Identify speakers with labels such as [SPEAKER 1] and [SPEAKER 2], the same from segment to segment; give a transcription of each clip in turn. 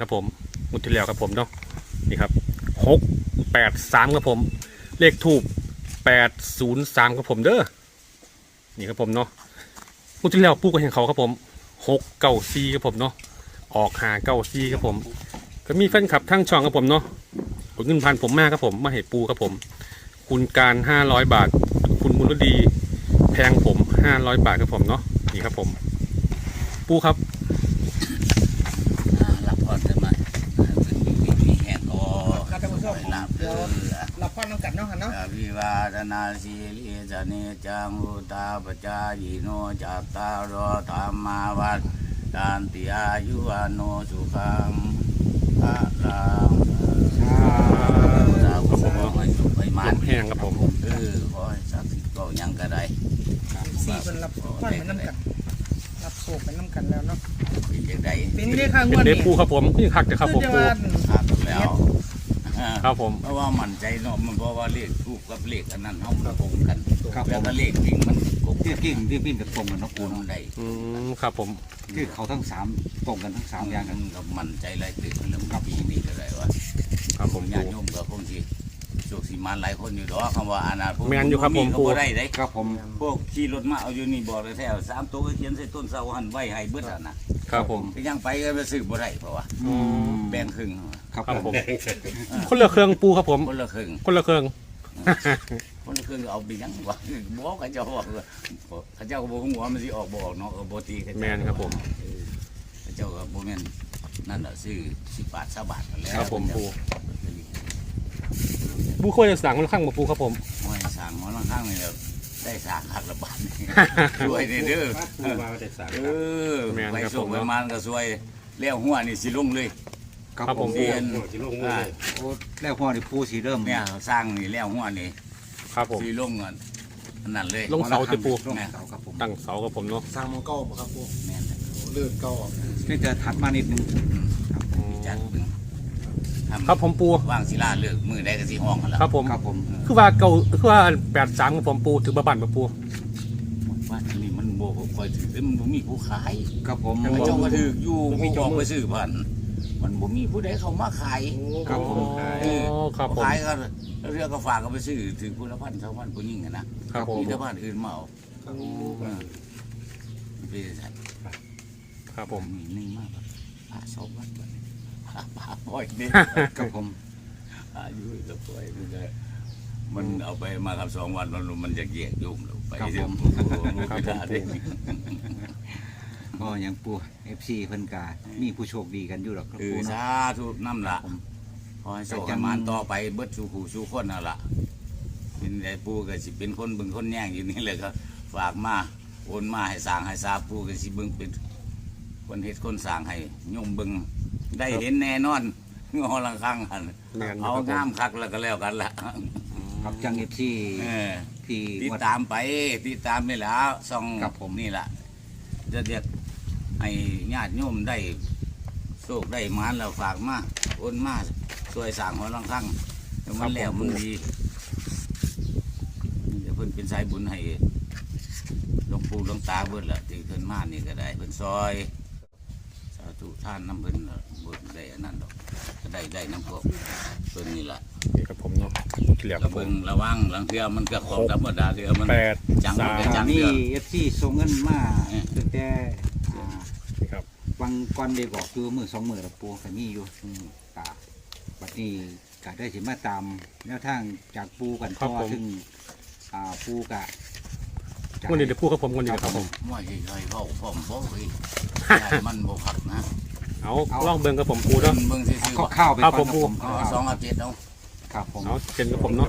[SPEAKER 1] ครับผมมุดที่แล้วครับผมเนาะนี่ครับ683ครับผมเลขทูบ803ครับผมเด้อนี่ครับผมเนาะมุดที่แล้วปูก็เห็นเขาครับผม694ครับผมเนาะออก594ครับผมก็มีแฟนคลับทั้งช่องครับผมเนาะกดเงินพันผมมากครับผมมาให้ปูครับผมคุณการ500 บาทคุณบุญรดีแพงผม500 บาทครับผมเนาะนี่ครับผมปูครับ
[SPEAKER 2] รับพรกันมามีแห่งก็รับเด้อ
[SPEAKER 3] รับฟังน้ำกัดเนาะค่ะเนาะ
[SPEAKER 2] วิวาทนาสีลิจเนจังอุตาปจายโนจัตตารโอธรรมาวัฏฏานติอายุวโนสุขังพระรังสาวกให้สุขให้มัน
[SPEAKER 1] แห้งครับผม
[SPEAKER 2] ขอให้ศักดิ์สิทธิ์ก็ยังก็ได้
[SPEAKER 3] สี่เป็นรับฟังเป็นน้ำกัดรับโศกเป็นน้ำกัดแล้วเนาะ
[SPEAKER 2] เป็นจังได๋
[SPEAKER 3] เป็นได้ข้าง
[SPEAKER 1] เป็น
[SPEAKER 3] วัน
[SPEAKER 1] เด็
[SPEAKER 3] นี้
[SPEAKER 1] ปูครับผมนี่คักจะครับผม
[SPEAKER 3] จะ
[SPEAKER 1] ปู
[SPEAKER 3] ว่า
[SPEAKER 2] ครับแล้ว
[SPEAKER 1] ครับผม
[SPEAKER 2] เพราะว่ามั่นใจเนาะมันเพราะว่าเลขทูกกับเลขอันนั้นเฮามันตรงกันแล้วก็เลขจริงมันตรง
[SPEAKER 4] ที่กิ่งที่วิ่งกับตรงกันเนาะ
[SPEAKER 2] กู
[SPEAKER 4] ปู
[SPEAKER 2] น
[SPEAKER 4] เนาะ
[SPEAKER 2] ได้
[SPEAKER 1] ครับผม
[SPEAKER 4] ที่เขาทั้งสามตรงกันทั้งสามอย่างกัน
[SPEAKER 2] ก็มั่นใจหลายตึกแล้วกับปีนี้ก็ได้ว่า
[SPEAKER 1] ครับผม
[SPEAKER 2] ญา
[SPEAKER 1] ปู
[SPEAKER 2] ติโยมก็คงสิโชคสิมาหลายคนอยู่ดอกคำว่าอนาคต
[SPEAKER 1] แม่นอยู่ครับผม
[SPEAKER 2] ก็บ่ได้เด้
[SPEAKER 4] ครับผม
[SPEAKER 2] พวกขี่รถมาเอาอยู่นี่บอกเลยแถว3ตัวก็เขียนใส่ต้นเสาหันไว้ให้เบิดอ่ะนะครับ
[SPEAKER 1] ผม
[SPEAKER 2] ไปยังไปก็ไปซื้อบ่ได้เพราะว่า
[SPEAKER 1] อืม
[SPEAKER 2] แบ่งครึ่ง
[SPEAKER 4] ครับ
[SPEAKER 1] ครับ
[SPEAKER 4] ผ
[SPEAKER 1] ผม มคนละเครื่องปูครับผม
[SPEAKER 2] คนละครึ่ง
[SPEAKER 1] คนละเครื่อง
[SPEAKER 2] คนละครึ่งเอาไปยังวะบอกเขาเจ้าบอกเขาเจ้าก็บ่ฮู้ว่ามันสิออกบ่ออกเนาะก็บ่ตีเขาเจ้า
[SPEAKER 1] แมนครับผม
[SPEAKER 2] เขาเจ้าก็บ่แม่นนั่นน่ะซื้อ10 บาท20 บาทนั่นแหละ
[SPEAKER 1] ครับผมปูปูควรจะสั่งมันข้างมาปูครับผม
[SPEAKER 2] ห้อยสร้างหมอลังข้างนี่แหละได้สร้างคักละบาทนี่ช่วยเด้อ
[SPEAKER 4] ปูมาได้สาม
[SPEAKER 2] ไปส่งไปมันก็ช่วยแล้วหัวนี่สิลงเลย
[SPEAKER 4] ครับผม
[SPEAKER 2] เรียน
[SPEAKER 4] โอ้แล้วพ่อนี่ปูสีเริ่ม
[SPEAKER 2] เนี่ยสร้างนี่แล้วหัวนี่
[SPEAKER 1] ครับผม
[SPEAKER 2] สิลงกันนั่นเลย
[SPEAKER 1] ลงเสาจะปู
[SPEAKER 4] ลงเสาครับผม
[SPEAKER 1] ตั้งเสาครับผมเนาะ
[SPEAKER 3] สร้างมังเก้าบ่ครับพวก
[SPEAKER 2] แม่น
[SPEAKER 3] เลื่อนเก้า
[SPEAKER 4] นี่จะถัดมานิดนึง
[SPEAKER 2] จัดเบิ่งทำ
[SPEAKER 1] ครับผมปู
[SPEAKER 2] ว่างศิลาเลิกมือได้ก็สิห้องกันแล้ว
[SPEAKER 1] ครับผม
[SPEAKER 4] ครับผม
[SPEAKER 1] คือว่าเก่าคือว่า83ครับผมปูถือบ้านมาปู
[SPEAKER 2] ว่าอันนี้มันบ่ค่อยถือมันบ่มีผู้ขาย
[SPEAKER 4] ครับผม
[SPEAKER 2] แต่เจ้าก็ถืออยู่ผู้จองไปซื้อพันมันบ่มีผู้ใดเข้ามาขาย
[SPEAKER 4] ครับผม
[SPEAKER 1] อ๋อครับผม
[SPEAKER 2] ขายก็เรือก็ฝากก็ไปซื้อถึงพุทธพันธ์ชาวบ้านผู้ยิ่งอะนะครับ
[SPEAKER 1] ผม
[SPEAKER 2] มีชาวบ้านอื่นมาเอาไปใส่
[SPEAKER 1] ครับผม
[SPEAKER 2] มีหนึ่งมากแบบปลาสองวันก่อนปลาปล่อยนี่
[SPEAKER 4] ครับผม
[SPEAKER 2] อายุจะปล่อยมันเอาไปมาครับ2 วันมันจะเกียกยุ่มลงไปเดี๋ยว
[SPEAKER 4] ก็ยังปู FC เพิ่นกามีผู้โชคดีกันอยู่หรอกครับ
[SPEAKER 2] คือ
[SPEAKER 4] ปู
[SPEAKER 2] สา
[SPEAKER 4] เนาะ
[SPEAKER 2] ธุน้ำละขอให้โชคให้มานต่อไปเบิดสู่ขู่สู่คนนั่นละเป็นไอ้ปูก็สิเป็นคนบึงคนแย่งอยู่นี่เลยก็ฝากมาโอนมาให้สร้างให้ซาปูก็สิเบิ่งเป็นคนเฮ็ดคนสร้างให้โยมเบิ่งได้เห็นแน่นอนงอลังคังหัน
[SPEAKER 1] แม่นอยู่
[SPEAKER 2] เอา
[SPEAKER 1] ครับผม
[SPEAKER 2] งามคักแล้วก็แล้วกันละ
[SPEAKER 4] ครับจัง FC ที่
[SPEAKER 2] ติด
[SPEAKER 4] วัด
[SPEAKER 2] ตามไปติดตามนี่แหล้วซ่อง
[SPEAKER 4] ครับผม
[SPEAKER 2] นี่แหละจะเรียกให้ญาติโยมได้โชคได้หมานแล้วฝากมาโอนมาช่วยสร้างหัวลังคังแล้วมันแล้วมันดีเดี๋ยวเพิ่นเป็นสายบุญให้หลวงปู่หลวงตาเบิดละที่เพิ่นมานี่ก็ได้เพิ่นซอยสาธุท่านน้ำเพิ่นน่ะบุญได้อันนั้นดอกก็ได้น้ำพวกเพิ่นนี่แหละ
[SPEAKER 1] นี่ครับผมเนาะมุดที่แล้วค
[SPEAKER 2] ระ
[SPEAKER 1] รับผ
[SPEAKER 2] เบิ
[SPEAKER 1] ม
[SPEAKER 2] งระวังหลังเทือมันก็ของธรรมดาเทือมัน จัง
[SPEAKER 1] 83
[SPEAKER 4] มี FC ส่งเงินมาตั้งแต่า
[SPEAKER 1] นี่ครับ
[SPEAKER 4] วังก่อนได้บอกคือมือ2มื้อแล้วปูก็มีอยู่กะบัดนี้ก็ได้สิมาตามแนวทางจากปูกันต่อซึ่งปูกะ
[SPEAKER 1] วันนี้เดี๋ยวพูดครับผมวันนี้ครับผม
[SPEAKER 2] ไม่ใช่ใครเข้าพร้อมบ่เฮ้ยยายมันบ่คักนะ
[SPEAKER 1] เอาลองเบิ่งกับผมปูเนาะ
[SPEAKER 2] เบิ่งซื่อ
[SPEAKER 4] เอา
[SPEAKER 2] ๆ
[SPEAKER 4] ข้าวๆไป
[SPEAKER 1] ครับ
[SPEAKER 4] ก่อน
[SPEAKER 1] ผม
[SPEAKER 2] เอา2เอา7เอา
[SPEAKER 4] ครับผม
[SPEAKER 1] เอาเจ็ดกับผมเนาะ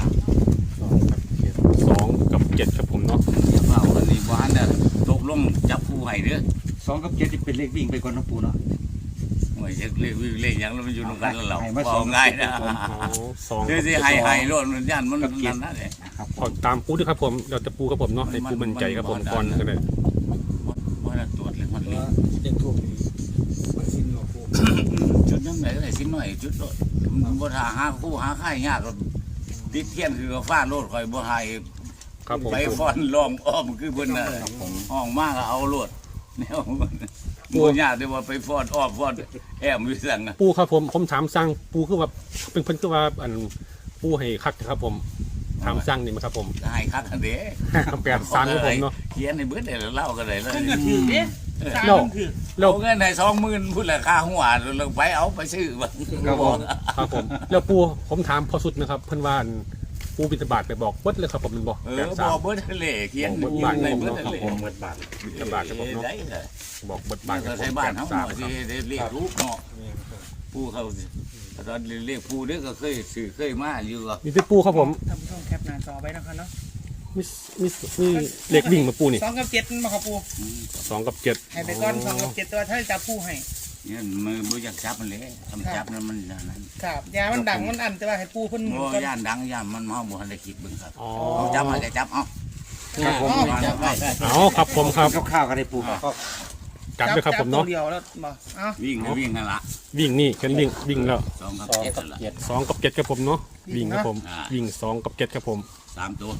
[SPEAKER 1] 2 กับ 7ครับผมเนาะ
[SPEAKER 2] อย่าเฝ้าอันนี้บ่ทันได้ตกลงจับคู่ให้เด้อ
[SPEAKER 4] 2 กับ 7นี่เป็นเลขวิ่งไปก่อนเนาะปูเนาะ
[SPEAKER 2] โอ้ยจะเลขหยังแล้วมันอยู่นำกันแล้วเรา
[SPEAKER 4] ให้มา
[SPEAKER 2] บ่
[SPEAKER 4] สอง
[SPEAKER 2] ง่ายนะ
[SPEAKER 1] เอา2
[SPEAKER 2] คือสิให้โลดมันย่านมันนั่นนะเด้
[SPEAKER 4] ครับผ
[SPEAKER 1] ขอ
[SPEAKER 4] ม
[SPEAKER 1] ตามปูด้วยครับผมเราจะปูครับผมเนาะให้ปูมั่นใจครับผมก่อนก็ได้
[SPEAKER 2] บ่ได้ตรวจเลยมันเลย
[SPEAKER 3] เด็กถูกมันสิ้นหรอกพวก
[SPEAKER 2] จุดยังไงก็ได้สิหน่อยจุดโลดมันบ่ท่าหาคู่หาค่ายยากก็ติดเทียนคือฟ้าโลดข่อยบ่ให้
[SPEAKER 1] ครับผม
[SPEAKER 2] ไปฟ้อนล้อมอ้อมคือเพิ่นน่ะห้องมากก็เอาโลดแนว
[SPEAKER 1] ปู
[SPEAKER 2] บ่ยากแต่ว่าไปฟอดอ้อมฟอดแอมอยู่สั่งนะ
[SPEAKER 1] ปูครับผมถามสั่งปูคือว่าเป็นเพิ่นคือว่าอันปูให้คักนะครับผมถามสั่งนี่มั้ยครับผม
[SPEAKER 2] ก็ให้คักอันเด้
[SPEAKER 1] 83ครับผมเนาะ
[SPEAKER 2] เขียนในเบิดได้แล้วเล่าก็ได้เลย
[SPEAKER 3] เพิ่นก็ถือเด้สร้าง
[SPEAKER 1] แล้ว
[SPEAKER 3] เพิ่นถือ
[SPEAKER 1] แล้ว
[SPEAKER 2] เอาเงินให้20,000พุ่นละค่าหัวลงไปเอาไปซื้อบ่
[SPEAKER 4] ครับผม
[SPEAKER 1] ครับผมแล้วปูผมถามพอสุดนะครับเพิ่นว่าอันปูบิณฑบาตไปบอกเบิดเลยครับผมมันบอก
[SPEAKER 2] บ่เบิดทะเลเขียน
[SPEAKER 1] บอกเบิดบาท
[SPEAKER 2] ใน
[SPEAKER 1] ผม
[SPEAKER 2] เบิด
[SPEAKER 1] เนาะ
[SPEAKER 2] ทะ
[SPEAKER 1] ครับ
[SPEAKER 2] เล
[SPEAKER 1] ผมเบิดบาทบิณฑบาตครับผมเนาะ
[SPEAKER 2] ได้เลย
[SPEAKER 1] บอกเบิดบา
[SPEAKER 2] บ้า
[SPEAKER 1] ท
[SPEAKER 2] น
[SPEAKER 1] ครั
[SPEAKER 2] ก็
[SPEAKER 1] บผม
[SPEAKER 2] ใช้บ้านเฮา
[SPEAKER 1] 83
[SPEAKER 2] สิได้เรียกรูปเนาะผู้เขาตอนเรียกผู้เด้อก็เคยสื่อเคยมาอยู่ก็
[SPEAKER 1] มีแต่ปูครับผม
[SPEAKER 3] ท่านผู้ชมแคปหน้าจอไว้นะคะเนาะ
[SPEAKER 1] มีเลขวิ่งมาปูนี่
[SPEAKER 3] 2กับ7มาครับปู
[SPEAKER 1] 2 กับ 7
[SPEAKER 3] ให้ไปก่อน2กับ7ตัวถ้าจับผู้ให้
[SPEAKER 2] เนี่ยมือบ่อยากจับมันเลยทำจับนั้นมันอย่างนั้น
[SPEAKER 3] ครับยามันดังมันอันแต่ว่าให้ปูเพิ่นหมุน
[SPEAKER 2] บ่
[SPEAKER 3] ก่อน
[SPEAKER 2] ย่านดังย่านมันเฮาบ่ทันได้คิดเบิ่งครับ
[SPEAKER 1] อ๋อ
[SPEAKER 2] เอาจับมาก็จับเอา
[SPEAKER 4] ครับผม
[SPEAKER 1] เอาครับผมครับ
[SPEAKER 4] ข้าวๆกันได้ปูครับ
[SPEAKER 1] จับด้วยครับผมเนาะ
[SPEAKER 3] ตัวเดียวแล้วบ่เอ้า
[SPEAKER 2] วิ่งก็วิ่งนั่นล่ะ
[SPEAKER 1] วิ่งนี่เข็นวิ่งแล้ว
[SPEAKER 2] 2กับ7นั่นล่ะ
[SPEAKER 1] 2 กับ 7ครับผมเนาะวิ่งครับผม
[SPEAKER 2] อ่า
[SPEAKER 1] วิ่ง2 กับ 7ครับผม
[SPEAKER 2] 3ตัว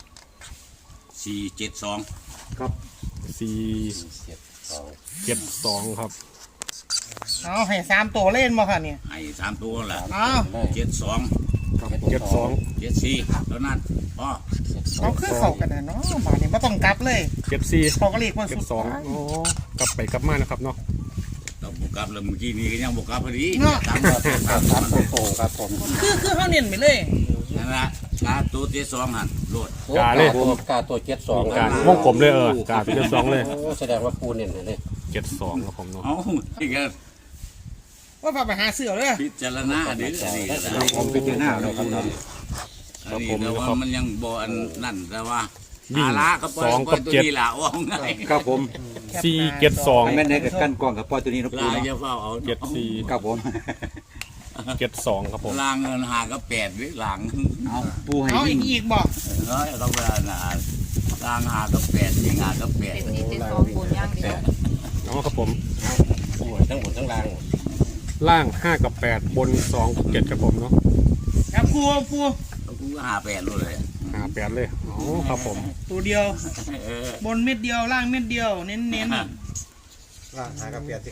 [SPEAKER 2] 472
[SPEAKER 4] ครับ
[SPEAKER 1] 4 7 2ครับ
[SPEAKER 3] เอาให้3ตัวเล่นบ่ค่ะเนี่ย
[SPEAKER 2] ให้3ตัวล่ะ
[SPEAKER 3] เอา
[SPEAKER 2] 72
[SPEAKER 4] ครับ
[SPEAKER 1] 72
[SPEAKER 2] 74แล้วนั่นพอ
[SPEAKER 3] เอาคือเข้ากันน่ะเนาะบาดนี้บ่ต้องกลับเลย
[SPEAKER 1] 74
[SPEAKER 3] เขาก็เรียกว่าสุด
[SPEAKER 1] 72โอ้กลับไปกลับมานะครับเนาะ
[SPEAKER 2] ต้องบ่กลับแล้วเมื่อกี้นี้ก็ยังบ่กลับพอดี
[SPEAKER 3] เนาะ
[SPEAKER 2] ตาม
[SPEAKER 4] ครับโตครับผม
[SPEAKER 3] คือเขาเน้นไปเลย
[SPEAKER 2] นั่นล่ะกาตัว72หั่นโลด
[SPEAKER 1] กาเลย
[SPEAKER 5] กาตัว72
[SPEAKER 1] กาวงกลมเลยกาเป็น2เลย
[SPEAKER 5] โอ้แสดงว่าปูเน้นเลย
[SPEAKER 1] 72ครับผมเนาะ
[SPEAKER 2] เอาอีกก็
[SPEAKER 3] ว่าพาไปหาเสือเลย
[SPEAKER 2] พิจารณาเด้ออันนี้ก็ได้
[SPEAKER 4] ผมไปเจอหน้าเลยครับ
[SPEAKER 2] อันนี้แต่ว่ามันยังบ่อันนั่นแต่ว่า
[SPEAKER 1] วิ่ง
[SPEAKER 2] หาละก็ปล่อย
[SPEAKER 1] 2 กับ
[SPEAKER 2] ตัวนี้ล่ะว่าไง
[SPEAKER 4] ครับผม
[SPEAKER 1] 7 4
[SPEAKER 4] แม่นให้กับกั้นกล้องกับปอยตัวนี้นะปู
[SPEAKER 2] ลา
[SPEAKER 4] เนาะ
[SPEAKER 2] จะเฝ้าเอา
[SPEAKER 1] 74
[SPEAKER 4] ครับผม
[SPEAKER 1] 72ครับผม
[SPEAKER 2] ลางเงินหาก็8หรือหลัง
[SPEAKER 4] เอาปูให้
[SPEAKER 3] เอา
[SPEAKER 4] วิ่ง
[SPEAKER 3] อีกบอก
[SPEAKER 2] เฮ้ยต้องเวลาน่ะลางหาก็8ยิงหาก็8
[SPEAKER 6] เป็นนี่เป็นสองบนย่างเดียว
[SPEAKER 1] เนาะครับผม
[SPEAKER 5] ปูทั้งบนทั้งล่าง
[SPEAKER 1] ล่าง 5 กับ 8 บน 2 กับ 7ครับผมเนาะ
[SPEAKER 3] ครับปู
[SPEAKER 2] กูก็หา8เลย
[SPEAKER 1] 58เลยอ๋อครับผม
[SPEAKER 3] ตัวเดียว
[SPEAKER 2] เออบ
[SPEAKER 3] นเม็ดเดียวล่างเม็ดเดียวเน้น
[SPEAKER 1] ล่าง 5 กับ 8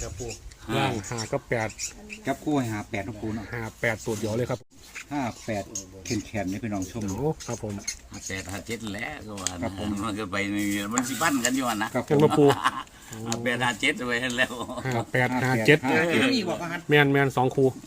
[SPEAKER 4] ครับคู่ให้หา8นะปูเนาะ
[SPEAKER 1] 58ตัวเดียวเลยครับ
[SPEAKER 4] 58แขนๆนี่พี่น้องชม
[SPEAKER 1] โอ้ครับผม
[SPEAKER 2] 8 5 7แล้วก็ว่านะมันก็ไปนี่มันสิปั้นกันอยู่นะครับ
[SPEAKER 1] เป็นมาปู
[SPEAKER 2] 8 5 7ไปแล้ว
[SPEAKER 1] 58 57
[SPEAKER 3] ๆไม่มีบอกว่าฮัท
[SPEAKER 1] แมน2คู่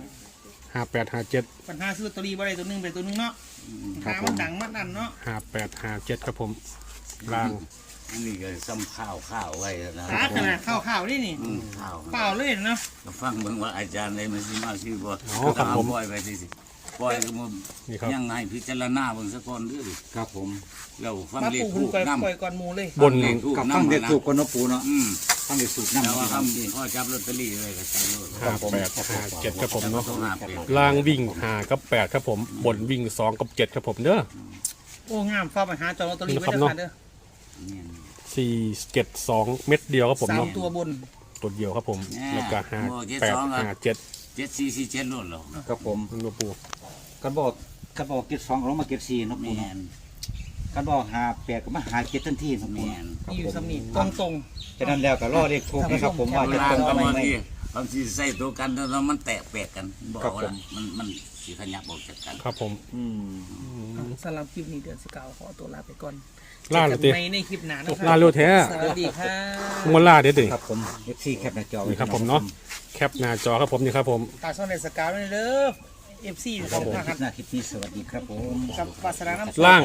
[SPEAKER 1] 58 57
[SPEAKER 3] ปัญหาซื้อลอตเตอรี่บ่ได้ตัวหนึงไปตัวหนึงเนาะหามันดังมันอันเนาะ
[SPEAKER 1] 58 57ครับผมล่าง
[SPEAKER 2] อันนี้ก็ซ้ำข้าวไว้นะ
[SPEAKER 3] หาขนาดข้าวๆนี่นี่
[SPEAKER 2] ข้าว
[SPEAKER 3] เปล่าเลยเนาะ
[SPEAKER 2] ก็ฟังเบิ่งว่าอาจารย์ได้มาสิมาชื่อบ่
[SPEAKER 1] อ๋อครับผม
[SPEAKER 2] ปล่อยไปสิปล่อยก็มัน
[SPEAKER 1] นี่ครับ
[SPEAKER 2] ยังให้พิจารณาเบิ่งซะก่อนเด้อ
[SPEAKER 4] ครับผม
[SPEAKER 2] เราฟัง
[SPEAKER 3] มา
[SPEAKER 2] เลข
[SPEAKER 3] ปู
[SPEAKER 2] ถู
[SPEAKER 3] คุณ
[SPEAKER 2] ก
[SPEAKER 3] ปล่อย
[SPEAKER 2] นำ
[SPEAKER 3] ปล่อยก่อนหมูเลย
[SPEAKER 1] บน
[SPEAKER 4] กับฟังเด็กถูกกันเนาะปูเนาะ
[SPEAKER 2] อืม
[SPEAKER 4] ฟังเด็กถูกน้ำ
[SPEAKER 2] แต่ว่า
[SPEAKER 4] ครับ
[SPEAKER 2] คำพ่อจับลอตเตอรี่เลยก็จับเลย
[SPEAKER 1] 58 57ครับผมเนาะ
[SPEAKER 2] ต้องหาเป็น
[SPEAKER 1] ล่างวิ่ง5กับ8ครับผมบนวิ่ง2กับ7ครับผมเด้อ
[SPEAKER 3] โอ้งามฟ้าไปหาจองลอตเตอรี่ไว้
[SPEAKER 1] นี่
[SPEAKER 3] เด้อ
[SPEAKER 1] ครับ
[SPEAKER 3] ค่ะเด้อ
[SPEAKER 2] เนี่ย
[SPEAKER 1] 472 เม็ดเดียวครับผม
[SPEAKER 3] สาม
[SPEAKER 1] เนาะ
[SPEAKER 3] ตัวบน
[SPEAKER 1] ตัวเดียวครับผมแล้วก็58 57
[SPEAKER 2] 7447โลดเหรอ
[SPEAKER 4] ครับผม
[SPEAKER 1] มันก็ปู
[SPEAKER 4] กันบอกเกต2ลงมาเกต4เนาะปู
[SPEAKER 2] แม่
[SPEAKER 4] เนาะ
[SPEAKER 2] น
[SPEAKER 4] กันบอกหา8ก็มาหาเกตทันทีเนาะปู
[SPEAKER 2] แม่น
[SPEAKER 3] นี่อยู่สำนีตรง
[SPEAKER 4] ฉะนั้นแล้วก็รอเด็กถูกนะครับผมว่า
[SPEAKER 2] เว
[SPEAKER 4] จะ
[SPEAKER 2] ลา
[SPEAKER 4] ตรง
[SPEAKER 2] ก็
[SPEAKER 4] ไหม
[SPEAKER 2] บาง
[SPEAKER 4] ไม่
[SPEAKER 2] ทีบางทีใส่ตัวกันแล้วมันแตกแปลกกันบอก
[SPEAKER 4] ครับผ
[SPEAKER 2] ว่าม มันสิขยับออกจากกัน
[SPEAKER 1] ครับผม
[SPEAKER 4] อืม
[SPEAKER 3] ๆสำหรับคลิปนี้เดือน19ขอตัวลาไปก่อน
[SPEAKER 1] ล่าเลยติ
[SPEAKER 3] เจอกันใหม่ในคลิปหน้านะครั
[SPEAKER 1] ล่าเร็วแท้
[SPEAKER 3] สวัสดีค่ะ
[SPEAKER 1] มันล่าเด็ดดิ
[SPEAKER 4] ครับผม FC แคปหน้าจอไว้
[SPEAKER 1] นี่ครับผมเนาะแคปหน้าจอครับผมนี่ครับผม
[SPEAKER 3] ตาช่องในสกาวด้วยเด้อ FC ของ
[SPEAKER 4] ค
[SPEAKER 3] ท
[SPEAKER 4] ลิ
[SPEAKER 3] หาร
[SPEAKER 4] ปหน้าคลิปนี้สวัสดีครับผม
[SPEAKER 3] กับวาสนาน้ำ
[SPEAKER 1] ล่าง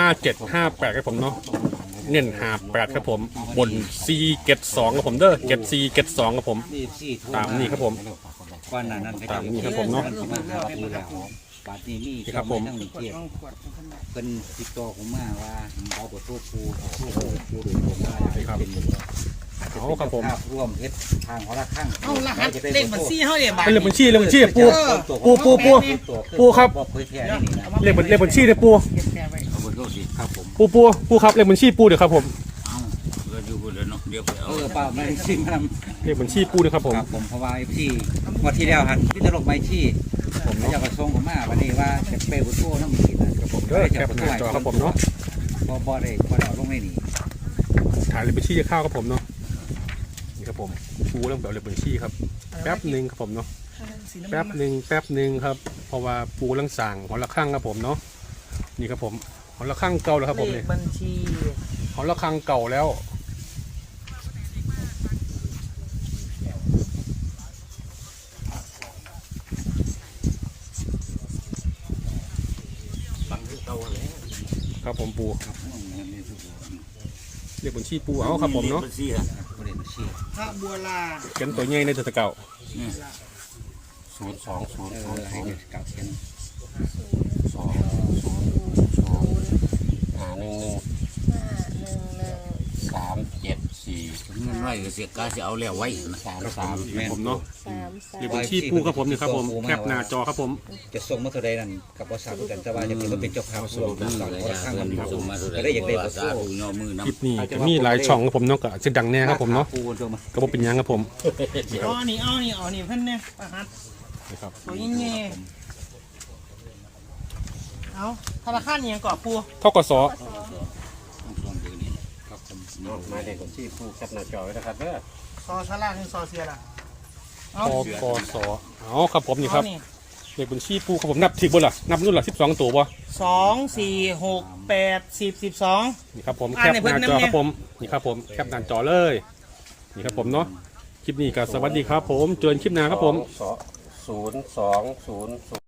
[SPEAKER 1] 5758ครับผมเนาะเน้น58ครับผมบน4เกต2ครับผมเด้อเกต4เกต2ครับผม
[SPEAKER 4] FC
[SPEAKER 1] ตามนี้ครับผม
[SPEAKER 4] ก่อนหน้านั้นก็
[SPEAKER 1] ตามนี้ครับผมเนาะ
[SPEAKER 4] มาหาปูแล้วบาดนี้มี
[SPEAKER 1] นี่ครับผม
[SPEAKER 4] ทั้ง
[SPEAKER 3] กด
[SPEAKER 4] เกียรติ
[SPEAKER 3] ต้องกดขึ้นมา
[SPEAKER 4] เป็นติดต่อผมมาว่าเอาบทโทษปูปูโดยผมว่าเป็นอาจจะเป็นเจ้าภาพร่วมเฮ็ดทางหอระฆัง
[SPEAKER 3] เอารหัสเลขบัญชีเฮาเนี่ยบาท
[SPEAKER 1] เป็นเลขบัญชีปูปูครับ
[SPEAKER 4] บอกเผยแพร่นี่นะ
[SPEAKER 1] เลขบัญชีเนี่ยปู
[SPEAKER 3] เก็บแชร์ไว้
[SPEAKER 2] เอาไปโทษสิ
[SPEAKER 4] ครับผม
[SPEAKER 1] ปูครับเลขบัญชีปูเดี๋ยวครับผม
[SPEAKER 2] เอาเราอยู่คนเดียวเนาะเดี๋ยวไปเอา
[SPEAKER 4] เปล่าไม่ซิมครับ
[SPEAKER 1] เลขบัญชีปูเดี๋ยวครับผม
[SPEAKER 4] ครับผมเพราะว่าที่วันที่แล้วหันพี่ตลกไม้ที่ผมเจ้ากระทรวงผมมาวันนี้ว่าจะเปย์บุตรโต้น้ำมีนะครับผม
[SPEAKER 1] เด้อแคปหน้าจอครับผมเนาะ
[SPEAKER 4] บ่ได้ลงในนี่
[SPEAKER 1] ถ่ายเลขบัญชีจะเข้าครับผมเนาะนี่ครับผมปูเรื่องแบบเลขบัญชีครับแป๊บหนึ่งครับผมเนาะ
[SPEAKER 3] สีน้ำ
[SPEAKER 1] แป๊
[SPEAKER 3] เงิ
[SPEAKER 1] บ
[SPEAKER 3] น
[SPEAKER 1] หนึ่งครับ เพราะว่าปูเรื่องสั่งหอละข้างครับผมเนาะนี่ครับผมหอละข้างเก่าแล้วครับผม
[SPEAKER 3] เล
[SPEAKER 1] เนี่
[SPEAKER 3] ข
[SPEAKER 1] ย
[SPEAKER 3] บัญชี
[SPEAKER 1] หอละข้างเก่าแล้ว
[SPEAKER 5] บังที่เก่าแล้ว
[SPEAKER 1] ครับผมปู
[SPEAKER 2] ครับนี่ทุกคน
[SPEAKER 1] เลขบัญชีปูเอาครับผมเนาะ
[SPEAKER 2] บัญชีฮะ
[SPEAKER 4] บริเวณชีพ
[SPEAKER 3] พระบัวลา
[SPEAKER 1] เขียนตัวใหญ่ในตัวเก่า
[SPEAKER 2] นี่
[SPEAKER 5] 0200
[SPEAKER 4] ให้เด็กเก่าเช่น
[SPEAKER 2] เงินน้อยก็เสียกาจะเอาแล้วไว้นะ
[SPEAKER 1] ๆผมเนาะเลขบัญชีปูครับผมนี่ครับผมแคปหน้าจอครับผม
[SPEAKER 4] จะส่งมาเท่าใดนั่นกับภาษาพูดกันแต่ว่าจะเป็นว่าเป็นเจ้าภาพรวม
[SPEAKER 2] นั่
[SPEAKER 4] กัน
[SPEAKER 2] น
[SPEAKER 4] ก่อน
[SPEAKER 2] เลย
[SPEAKER 4] คนละข้าง
[SPEAKER 2] เงิ
[SPEAKER 4] กัน น
[SPEAKER 2] ส่งมาสุด
[SPEAKER 4] ก็ได้อยากได้
[SPEAKER 2] ภาษาผู้ย่อมือ
[SPEAKER 1] คลิป
[SPEAKER 2] น้ำ
[SPEAKER 1] นี้จะมีหลายช่องครับผมเนาะก็จะดังแน่ครับผมเนาะ
[SPEAKER 4] ปูตัวมา
[SPEAKER 1] ก็บ่เป็นหยังครับผม
[SPEAKER 3] เอาอันนี้เพิ่นเนี่ยประหัด
[SPEAKER 1] นะครับ
[SPEAKER 3] ตัวยิ่งเงี้ยเอาธนาคารเนี่ยก่อปู
[SPEAKER 1] ทกส
[SPEAKER 5] หมายเลขบัญชีผู้แคปหน้าจอไว้นะครับเด้อ
[SPEAKER 3] ซอชาลาถึงซอเสียล่ะเอา
[SPEAKER 1] ทกสเอาครับผมนี่ครับ
[SPEAKER 3] เอานี่
[SPEAKER 1] เลขบัญชีปูครับผมนับถึงบ่ล่ะนับนู่นล่ะ12ตัวบ่
[SPEAKER 3] 2 4 6 8 10 12
[SPEAKER 1] นี่ครับผม
[SPEAKER 3] อ่า
[SPEAKER 1] แคป
[SPEAKER 3] ใน
[SPEAKER 1] ห
[SPEAKER 3] เพิ่น
[SPEAKER 1] น้าจอ
[SPEAKER 3] น้ำเนี่ย
[SPEAKER 1] ครับผมนี่ครับผมแคปหน้าจอเลยนี่ครับผมเนาะคลิปนี้ก็สวัสดีครับผมเจอกันคลิปหน้าครับผม
[SPEAKER 5] 0200